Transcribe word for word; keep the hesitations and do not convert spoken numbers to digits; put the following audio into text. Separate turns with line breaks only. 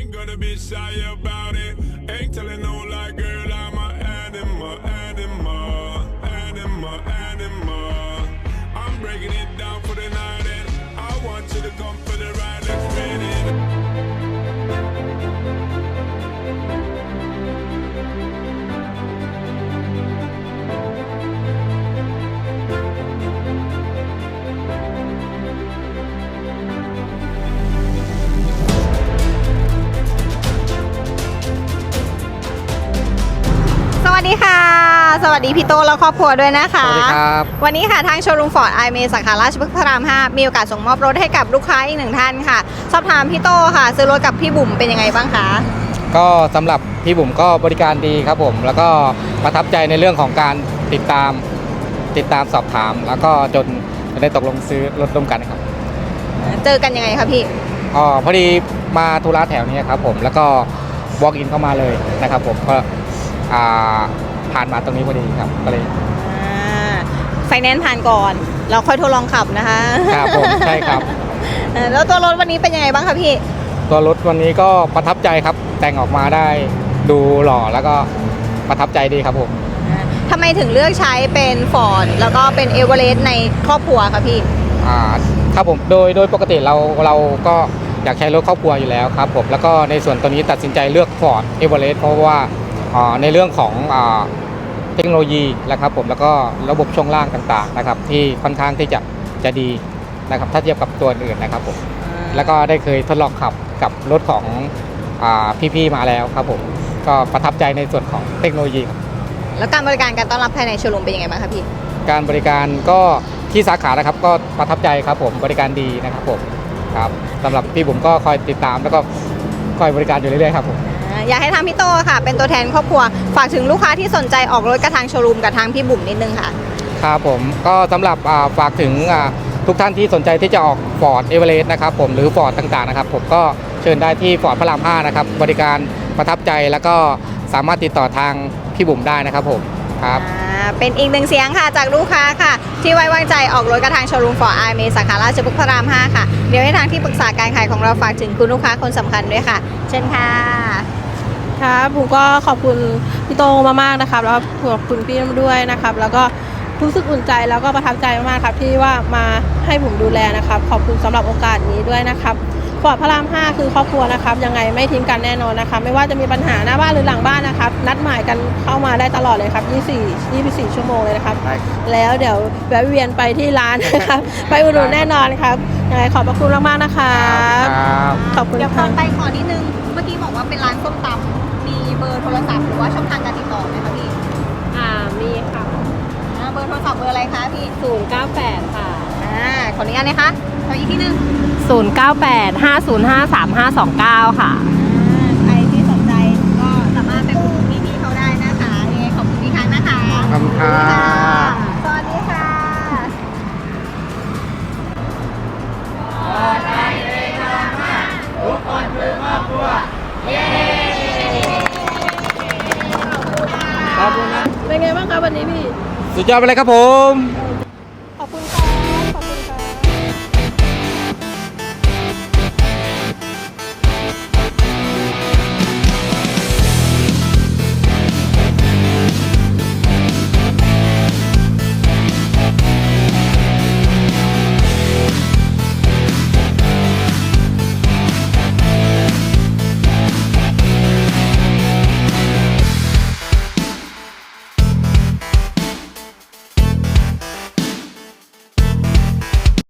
ain't gonna be shy about it. Ain't telling no lie, girl, I'm a animal, animal, animal, animal. I'm breaking it down for the night and I want you to come for the ride. Let's get it.
สวัสดีค่ะสวัสดีพี่โตและครอบครัวด้วยนะคะ
สวัสดีครับ
วันนี้ค่ะทางโชว์รูมฟอร์ดไอเมสาขาราชพฤกษ์พระรามห้ามีโอกาสส่งมอบรถให้กับลูกค้าอีกหนึ่งท่านค่ะสอบถามพี่โตค่ะซื้อรถกับพี่บุ๋มเป็นยังไงบ้างคะ
ก็สำหรับพี่บุ๋มก็บริการดีครับผมแล้วก็ประทับใจในเรื่องของการติดตามติดตามสอบถามแล้วก็จนได้ตกลงซื้อรถร่วมกันครับ
เจอกันยังไงคะพี่
อ๋อพอดีมาธุระแถวนี้ครับผมแล้วก็ walk in เข้ามาเลยนะครับผมก็ผ่านมาตรงนี้พอดีครับก็เลย
ไฟแนนซ์ผ่านก่อนเราค่อยทดลองขับนะคะ
ครับผมใช่ครับ
แล้วตัวรถวันนี้เป็นยังไงบ้างคะพี่
ตัวรถวันนี้ก็ประทับใจครับแต่งออกมาได้ดูหล่อแล้วก็ประทับใจดีครับผม
ทำไมถึงเลือกใช้เป็นฟอร์ดแล้วก็เป็นเอเวอเรสต์ในครอบครัวคะพี่
อ่าครับผมโดยโดยปกติเราเราก็อยากใช้รถครอบครัวอยู่แล้วครับผมแล้วก็ในส่วนตัวนี้ตัดสินใจเลือก Ford Everest เพราะว่าในเรื่องของเทคโนโลยีนะครับผมแล้วก็ระบบช่วงล่างต่างๆนะครับที่ค่อนข้างที่จะจะดีนะครับถ้าเทียบกับตัวอื่นนะครับผมแล้วก็ได้เคยทดลองขับกับรถของพี่ๆมาแล้วครับผมก็ประทับใจในส่วนของเทคโนโลยี
แล้วการบริการการต้อนรับภายในโชว์รูมเป็นยังไงบ้างครับพี่
การบริการก็ที่สาขานะครับก็ประทับใจครับผมบริการดีนะครับผมครับสำหรับพี่บุ๋มก็คอยติดตามแล้วก็คอยบริการอยู่เรื่อยๆครับผม
อยากให้ทางพี่โตค่ะเป็นตัวแทนครอบครัวฝากถึงลูกค้าที่สนใจออกรถกับทางโชว์รูมกับทางพี่บุ๋มนิดนึงค่ะ
ครับผมก็สำหรับฝากถึงทุกท่านที่สนใจที่จะออก Ford Everest นะครับผมหรือ Ford ต่างๆนะครับผมก็เชิญได้ที่ Ford พระรามห้านะครับบริการประทับใจแล้วก็สามารถติดต่อทางพี่บุ๋มได้นะครับผมครับ
เป็นอีกหนึ่งเสียงค่ะจากลูกค้าค่ะที่ไว้วางใจออกรถกระทางโชว์รูมฟอร์ดไอเมสาขาราชพฤกษ์พระรามห้าค่ะเดี๋ยวให้ทางที่ปรึกษาการขายของเราฝากถึงคุณลูกค้าคนสำคัญด้วยค่ะเชิญค่ะ
ครับผมก็ขอบคุณพี่โตมากๆนะครับแล้วขอบคุณพี่ด้วยนะครับแล้วก็รู้สึกอุ่นใจแล้วก็ประทับใจมากๆครับที่ว่ามาให้ผมดูแลนะครับขอบคุณสำหรับโอกาสนี้ด้วยนะครับฟอร์ดพระรามห้าคือครอบครัวนะครับยังไงไม่ทิ้งกันแน่นอนนะครับไม่ว่าจะมีปัญหาหน้าบ้านหรือหลังบ้านนะครับนัดหมายกันเข้ามาได้ตลอดเลยครับยี่สิบสี่ ยี่สิบสี่ชั่วโมงเลยนะครับแล้วเดี๋ยวแวะเวียนไปที่ร้านนะครับไปอุดหนุนแน่นอนครับยังไงขอบพระคุณมากๆนะครับขอบคุณ
เดี๋ยวขอไปขอนิดนึงเมื่อกี้บอกว่าเป็นร้านส้มตำมีเบอร์โทรศัพท์หรือว่าช่องทางการติดต่อไหมคะพี่
อ่ามีค่ะ
เบอร์โทรศัพท์เบอร์อะไรคะพี่
ศูนย์เก้าแปดค่ะ
อ่าขออนุญาตนะคะขออีกทีนึง
ศูนย์เก้าแปด ห้าศูนย์ห้า สามห้าสองเก้าค่ะ
ใครที่สนใจก็สามารถไปอุดหนุนพี่ๆเขาได้นะคะยังไงขอบคุณพี่ครั้งนะคะ
ขอบคุณค่ะ
สวัสดีค่ะ
ทุกคนคือครอบครัวเย้
ขอบคุณนะ
เป็นไงบ้างครับวันนี้พี่
สุดยอดไปเลยครับผม